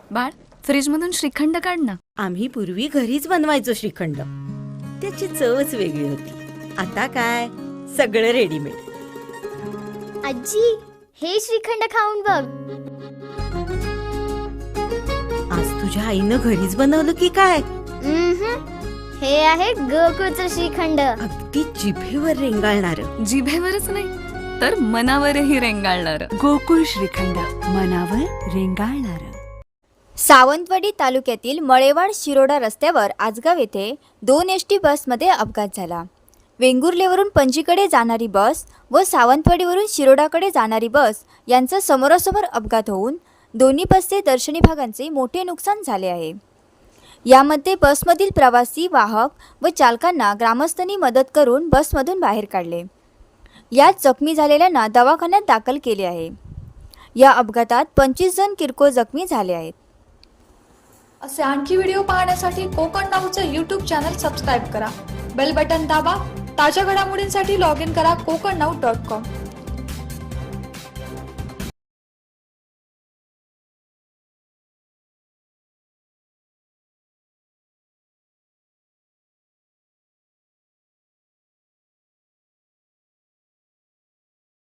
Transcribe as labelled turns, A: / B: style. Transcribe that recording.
A: बाळ, फ्रीजमधून श्रीखंड काढ ना.
B: आम्ही पूर्वी घरीच बनवायचो श्रीखंड. त्याची चवच वेगळी होती. आता काय सगळं रेडीमेड.
C: आजी, हे श्रीखंड खाऊन बघ.
B: आज तुझ्या आईनं घरीच बनवलं की काय?
C: हे आहे गोकुळचं श्रीखंड.
B: अगदी जिभेवर रेंगाळणार.
A: जिभेवरच नाही तर मनावरही रेंगाळणार.
D: गोकुळ श्रीखंड, मनावर रेंगाळणार.
E: सावंतवाडी तालुक्यातील मळेवाड शिरोडा रस्त्यावर आजगाव येथे 2 एसटी बसमध्ये अपघात झाला. वेंगुर्लेवरून पणजीकडे जाणारी बस व सावंतवाडीवरून शिरोडाकडे जाणारी बस यांचा समोरासमोर अपघात होऊन दोन्ही बसचे दर्शनी भागांचे मोठे नुकसान झाले आहे. यामध्ये बसमधील प्रवासी, वाहक व चालकांना ग्रामस्थांनी मदत करून बसमधून बाहेर काढले. यात जखमी झालेल्यांना दवाखान्यात दाखल केले आहे. या अपघातात 25 जण किरकोळ जखमी झाले आहेत.
F: असे आणखी व्हिडिओ पाहण्यासाठी कोकण नाऊचं यूट्यूब चॅनल सबस्क्राईब करा. बेल बटन दाबा. ताज्या घडामोडींसाठी लॉग इन करा kokanau.com.